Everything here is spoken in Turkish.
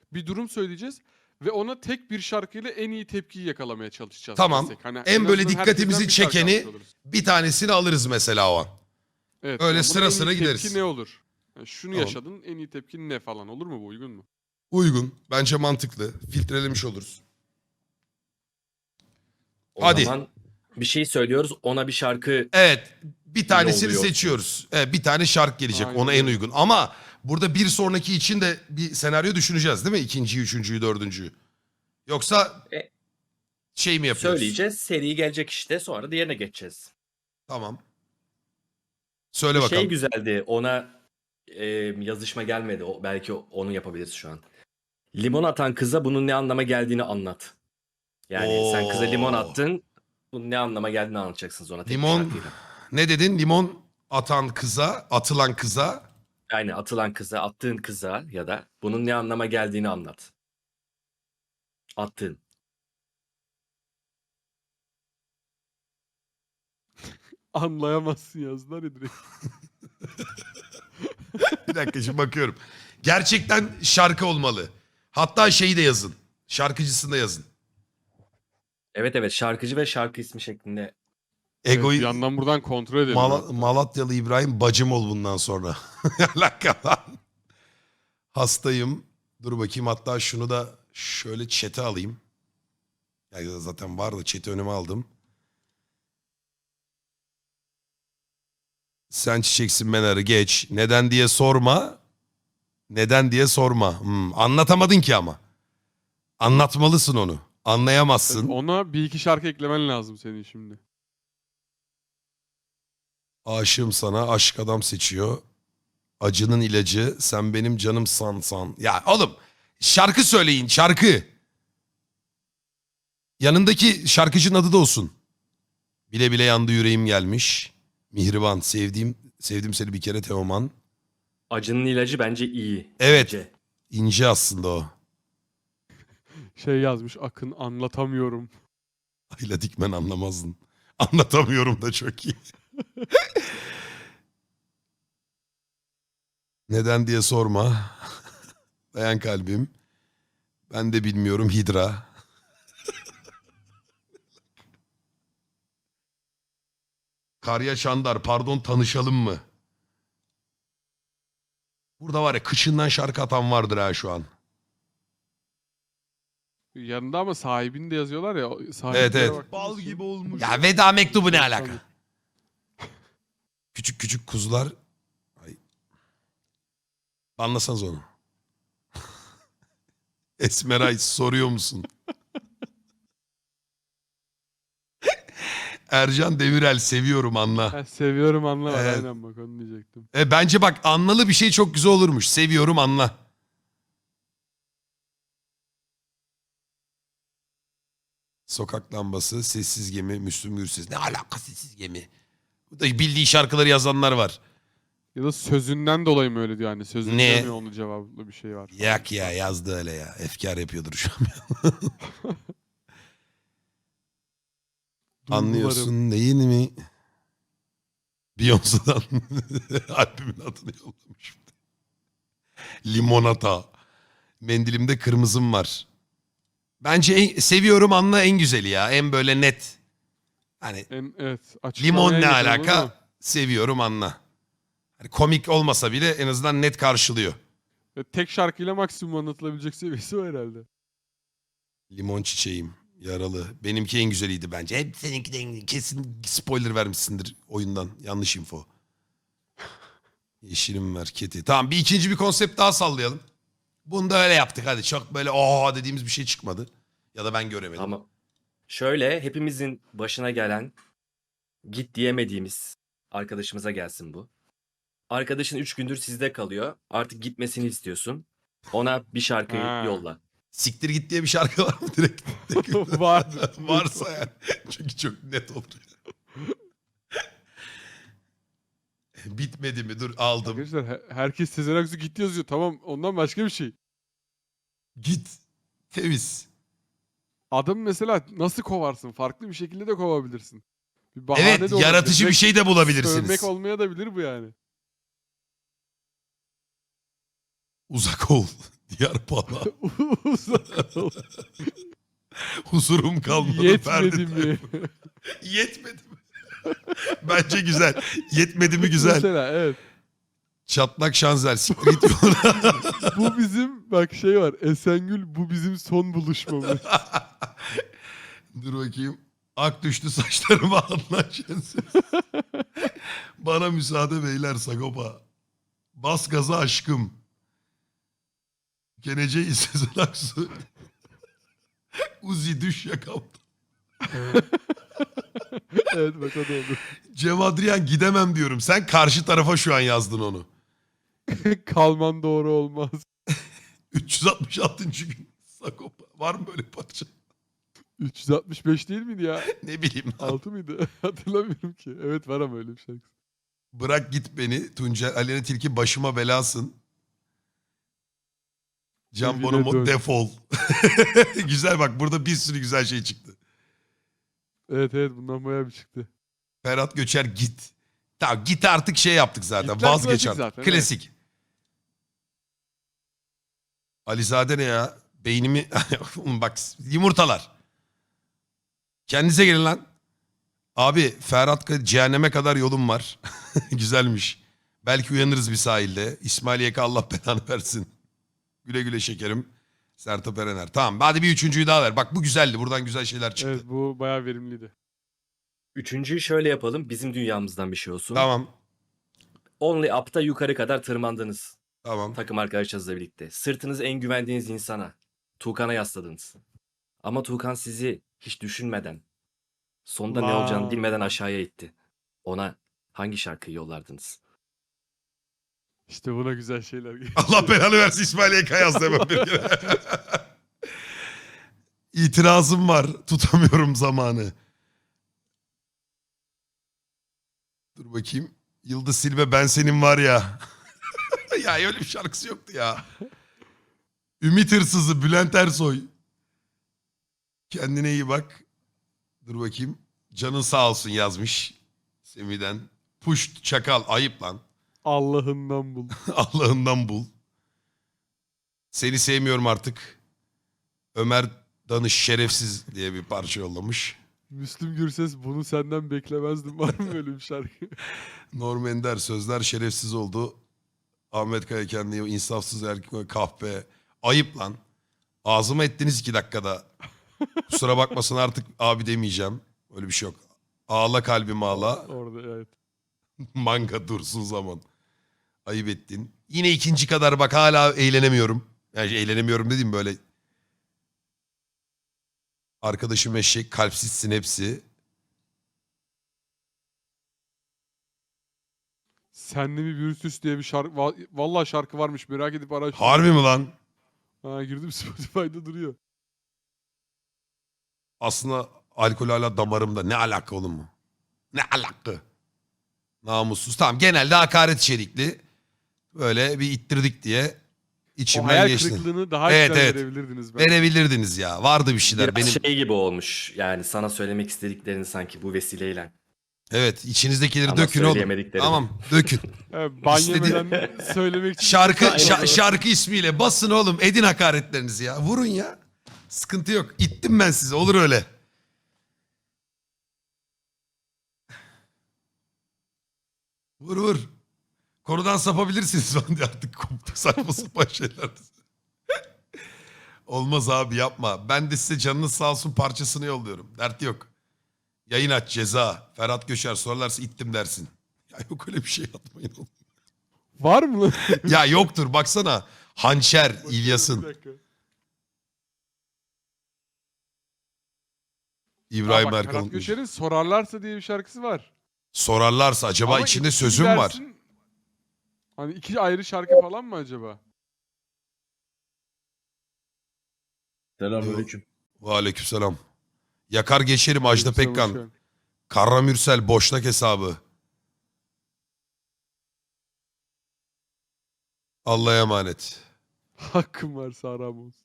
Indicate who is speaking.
Speaker 1: bir durum söyleyeceğiz ve ona tek bir şarkıyla en iyi tepkiyi yakalamaya çalışacağız.
Speaker 2: Tamam.
Speaker 1: desek. Hani
Speaker 2: En böyle
Speaker 1: azından herkesten
Speaker 2: dikkatimizi
Speaker 1: bir şarkı almış
Speaker 2: çekeni
Speaker 1: oluruz.
Speaker 2: bir tanesini alırız mesela o an.
Speaker 1: Evet.
Speaker 2: Öyle
Speaker 1: yani buna
Speaker 2: sıra
Speaker 1: en iyi
Speaker 2: sıra gideriz.
Speaker 1: tepki ne olur? Yani şunu
Speaker 2: Tamam.
Speaker 1: yaşadın, en iyi tepkin ne falan, olur mu bu, uygun mu?
Speaker 2: Uygun. Bence mantıklı. Filtrelemiş oluruz.
Speaker 3: O
Speaker 2: Hadi.
Speaker 3: zaman bir şey söylüyoruz, ona bir şarkı
Speaker 2: Evet. Bir tanesini
Speaker 3: yolluyorsun.
Speaker 2: seçiyoruz. Evet, bir tane şarkı gelecek.
Speaker 1: Aynen
Speaker 2: Ona en
Speaker 1: öyle.
Speaker 2: uygun. Ama burada bir sonraki için de bir senaryo düşüneceğiz değil mi? İkinciyi, üçüncüyü, dördüncüyü. Yoksa
Speaker 3: E,
Speaker 2: şey mi yapıyoruz?
Speaker 3: söyleyeceğiz. Seri gelecek işte, sonra diğerine geçeceğiz.
Speaker 2: Tamam. Söyle
Speaker 3: Bir
Speaker 2: bakalım.
Speaker 3: şey güzeldi, ona yazışma gelmedi. Belki onu yapabiliriz şu an. Limon atan kıza bunun ne anlama geldiğini anlat. Yani sen kıza limon
Speaker 2: Oo.
Speaker 3: attın, bunun ne anlama geldiğini anlatacaksınız ona tek bir
Speaker 2: Limon.
Speaker 3: şarkıyla.
Speaker 2: Ne dedin? Limon atan kıza, atılan kıza.
Speaker 3: Yani atılan kıza, attığın kıza ya da bunun ne anlama geldiğini anlat. Attığın.
Speaker 1: Anlayamazsın yazdılar ya direkt.
Speaker 2: Bir dakika şimdi bakıyorum. Gerçekten şarkı olmalı. Hatta şeyi de yazın. Şarkıcısını da yazın.
Speaker 3: Evet, şarkıcı ve şarkı ismi şeklinde.
Speaker 1: Evet,
Speaker 2: Egoyu
Speaker 1: bir yandan buradan kontrol edelim. hatta.
Speaker 2: Malatyalı İbrahim bacım ol bundan sonra. Alaka lan. Hastayım. Dur bakayım, hatta şunu da şöyle chat'e alayım. Ya zaten var da chat'i önüme aldım. Sen çiçeksin ben arı geç. Neden diye sorma. Neden diye sorma. Anlatamadın ki ama. Anlatmalısın onu. Anlayamazsın.
Speaker 1: Evet, ona bir iki şarkı eklemen lazım senin şimdi.
Speaker 2: Aşığım sana, aşk adam seçiyor. Acının ilacı, sen benim canım san. Ya oğlum, şarkı söyleyin, şarkı. Yanındaki şarkıcının adı da olsun. Bile bile yandı yüreğim gelmiş. Mihriban, sevdim seni bir kere Teoman.
Speaker 3: Acının ilacı bence iyi.
Speaker 2: Evet.
Speaker 3: İnce.
Speaker 2: İnce aslında o.
Speaker 1: Şey yazmış Akın, anlatamıyorum.
Speaker 2: Ayla Dikmen anlamazdın. Anlatamıyorum da çok iyi. Neden diye sorma. Dayan kalbim. Ben de bilmiyorum Hidra. Karya Çandar, pardon tanışalım mı? Burada var ya kışından şarkı atan vardır ha şu an.
Speaker 1: Yanında ama sahibini de yazıyorlar ya.
Speaker 2: Evet,
Speaker 1: sahiplere
Speaker 2: evet.
Speaker 1: baktığımız
Speaker 2: Bal
Speaker 1: için-
Speaker 2: gibi olmuş. Ya veda mektubu ne alaka? Küçük küçük kuzular. Ay. Anlasanız onu. Esmeray soruyor musun? Ercan Demirel seviyorum anla.
Speaker 1: Ha, seviyorum anla var,
Speaker 2: Evet.
Speaker 1: aynen bak onu diyecektim.
Speaker 2: Bence bak anlalı bir şey çok güzel olurmuş. Seviyorum anla. Sokak lambası, sessiz gemi, Müslüm Gürses. Ne alaka sessiz gemi? Bu da bildiği şarkıları yazanlar var.
Speaker 1: Ya da sözünden dolayı mı öyle diyor hani, sözünden
Speaker 2: Ne?
Speaker 1: mi onun cevabında bir şey var. falan.
Speaker 2: Yak ya yazdı öyle ya. Efkar yapıyordur şu an.
Speaker 1: Duygularım.
Speaker 2: Anlıyorsun değil mi? Beyoncé'dan albümün adını yollamış. Limonata. Mendilimde kırmızım var. Bence seviyorum anla en güzeli ya. En böyle net. Hani
Speaker 1: Evet.
Speaker 2: limon
Speaker 1: açıklamaya
Speaker 2: ne
Speaker 1: yakın, anladın mı?
Speaker 2: alaka? Seviyorum anla. Hani komik olmasa bile en azından net karşılıyor.
Speaker 1: Ve tek şarkıyla maksimum anlatılabilecek seviyesi o herhalde.
Speaker 2: Limon çiçeğim. Yaralı. Benimki en güzeliydi bence. Hep seninki de kesin spoiler vermişsindir oyundan. Yanlış info. Yeşilim ver keti. Tamam bir ikinci bir konsept daha sallayalım. Bunu da öyle yaptık hadi. Çok böyle oha dediğimiz bir şey çıkmadı. Ya da ben göremedim.
Speaker 3: Ama şöyle, hepimizin başına gelen, git diyemediğimiz arkadaşımıza gelsin bu. Arkadaşın 3 gündür sizde kalıyor. Artık gitmesini istiyorsun. Ona bir şarkı
Speaker 1: Ha.
Speaker 3: yolla.
Speaker 2: Siktir git diye bir şarkı var mı direkt?
Speaker 1: Vardır.
Speaker 2: Varsa yani. Çünkü çok net olur. Bitmedi mi? Dur aldım.
Speaker 1: Arkadaşlar herkes Sezen Aksu gitti yazıyor. Tamam, ondan başka bir şey.
Speaker 2: Git. Temiz.
Speaker 1: Adamı mesela nasıl kovarsın? Farklı bir şekilde de kovabilirsin. Bir bahane
Speaker 2: Evet
Speaker 1: de olabilir.
Speaker 2: yaratıcı bir
Speaker 1: Direkt
Speaker 2: şey de bulabilirsiniz.
Speaker 1: Sövmek olmaya da bilir bu yani.
Speaker 2: Uzak ol. Diyar Pala.
Speaker 1: Uzak ol.
Speaker 2: Huzurum kalmadı.
Speaker 1: Yetmedi
Speaker 2: Ferdi
Speaker 1: mi?
Speaker 2: Tayfur. Yetmedi mi? Bence güzel. Yetmedi mi güzel.
Speaker 1: Mesela evet.
Speaker 2: Çatlak şanzer. Siktir git yoluna.
Speaker 1: Bu bizim bak şey var. Esengül bu bizim son buluşmamız.
Speaker 2: Dur bakayım. Ak düştü saçlarıma anlaşılsız. Bana müsaade beyler Sagopa. Bas gaza aşkım. Geleceği Sezen Aksu. Uzi düş yakamda.
Speaker 1: Evet bak o da olur.
Speaker 2: Cem Adrian gidemem diyorum. Sen karşı tarafa şu an yazdın onu.
Speaker 1: Kalman doğru olmaz.
Speaker 2: 366. gün Sagopa. Var mı böyle parça?
Speaker 1: 365 değil miydi ya?
Speaker 2: Ne bileyim lan.
Speaker 1: 6 mıydı? Hatırlamıyorum ki. Evet var ama öyle bir şarkı.
Speaker 2: Bırak git beni. Tuncel Aleyna Tilki başıma belasın. Can
Speaker 1: Evine
Speaker 2: Bonomo
Speaker 1: dön.
Speaker 2: defol. Güzel bak burada bir sürü güzel şey çıktı.
Speaker 1: Evet evet bundan bayağı bir çıktı.
Speaker 2: Ferhat Göçer git. Tamam git artık şey yaptık zaten.
Speaker 1: Gitler
Speaker 2: Vazgeç
Speaker 1: klasik
Speaker 2: artık.
Speaker 1: zaten, evet.
Speaker 2: Klasik. Alizade ne ya? Beynimi... Oğlum bak yumurtalar. Kendinize gelin lan. Abi Ferhat cehenneme kadar yolum var. Güzelmiş. Belki uyanırız bir sahilde. İsmail YK Allah belanı versin. Güle güle şekerim. Sertab Erener. Tamam hadi bir üçüncüyü daha ver. Bak bu güzeldi. Buradan güzel şeyler çıktı.
Speaker 1: Evet bu bayağı verimliydi.
Speaker 3: Üçüncüyü şöyle yapalım. Bizim dünyamızdan bir şey olsun.
Speaker 2: Tamam.
Speaker 3: Only Up'ta yukarı kadar tırmandınız.
Speaker 2: Tamam.
Speaker 3: Takım arkadaşlarınızla birlikte. Sırtınızı en güvendiğiniz insana, Tuğkan'a yasladınız. Ama Tuğkan sizi hiç düşünmeden, sonunda ne olacağını
Speaker 1: Vay.
Speaker 3: bilmeden aşağıya itti. Ona hangi şarkıyı yollardınız?
Speaker 1: İşte buna güzel şeyler geliyor.
Speaker 2: Allah belanı versin İsmail YK yazdı hemen bir kere. İtirazım var. Tutamıyorum zamanı. Dur bakayım. Yıldız Silve ben senin var ya. Ya öyle bir şarkısı yoktu ya. Ümit Hırsızı Bülent Ersoy. Kendine iyi bak. Dur bakayım. Canın sağ olsun yazmış. Semih'den. Puşt çakal ayıp lan.
Speaker 1: Allah'ından bul.
Speaker 2: Allah'ından bul. Seni sevmiyorum artık. Ömer Danış şerefsiz diye bir parça yollamış.
Speaker 1: Müslüm Gürses bunu senden beklemezdim. Var mı böyle bir şarkı?
Speaker 2: Norm Ender sözler şerefsiz oldu. Ahmet Kaya kendini insafsız erkek kahpe. Ayıp lan. Ağzıma ettiniz 2 dakikada. Kusura bakmasın artık abi demeyeceğim. Öyle bir şey yok. Ağla kalbim ağla.
Speaker 1: Orada evet.
Speaker 2: Manga dursun zaman. Ayıp ettin. Yine ikinci kadar bak hala eğlenemiyorum. Yani eğlenemiyorum dediğim böyle. Arkadaşım eşek, kalpsizsin hepsi.
Speaker 1: Senli mi Virüs diye bir şarkı. Vallahi şarkı varmış merak edip araştırdım.
Speaker 2: Harbi mi lan?
Speaker 1: Ha girdim Spotify'da duruyor.
Speaker 2: Aslında alkol hala damarımda. Ne alaka oğlum mu? Ne alaka? Namussuz. Tamam genelde hakaret içerikli. Böyle bir ittirdik diye
Speaker 1: O
Speaker 2: içimden
Speaker 1: hayal
Speaker 2: geçti.
Speaker 1: kırıklığını daha
Speaker 2: Evet,
Speaker 1: güzel
Speaker 2: evet.
Speaker 1: verebilirdiniz bence.
Speaker 2: Verebilirdiniz ya. Vardı bir şeyler.
Speaker 3: Biraz
Speaker 2: Benim
Speaker 3: şey gibi olmuş. Yani sana söylemek istediklerini sanki bu vesileyle.
Speaker 2: evet içinizdekileri
Speaker 3: Ama
Speaker 2: dökün oğlum.
Speaker 3: söyleyemediklerini.
Speaker 2: Tamam dökün.
Speaker 1: Evet, ban
Speaker 2: İstediğin-
Speaker 1: yemeden söylemek için.
Speaker 2: Şarkı ismiyle basın oğlum. Edin hakaretlerinizi ya. Vurun ya. Sıkıntı yok. İttim ben sizi. Olur öyle. Vur vur. Konudan sapabilirsiniz falan diye artık koptu saçma sapan şeyler. Olmaz abi yapma. Ben de size canınız sağ olsun parçasını yolluyorum. Dert yok. Yayın aç ceza. Ferhat Göçer sorarlarsa ittim dersin. Ya yok öyle bir şey atmayın oğlum.
Speaker 1: Var mı lan?
Speaker 2: Ya yoktur baksana. Hançer
Speaker 1: Bir
Speaker 2: İlyas'ın.
Speaker 1: dakika.
Speaker 2: İbrahim
Speaker 1: Aa, bak,
Speaker 2: Erkan
Speaker 1: Ferhat
Speaker 2: unutmuş.
Speaker 1: Göçer'in Sorarlarsa diye bir şarkısı var.
Speaker 2: Sorarlarsa acaba
Speaker 1: Ama
Speaker 2: içinde
Speaker 1: iki
Speaker 2: sözüm var.
Speaker 1: dersin, hani 2 ayrı şarkı falan mı acaba?
Speaker 4: Selamünaleyküm.
Speaker 2: Aleykümselam. Yakar geçerim Ajda
Speaker 1: Yoksa boş
Speaker 2: Pekkan.
Speaker 1: ver.
Speaker 2: Karra Mürsel boşnak hesabı. Allah'a emanet.
Speaker 1: Hakkım varsa haram olsun.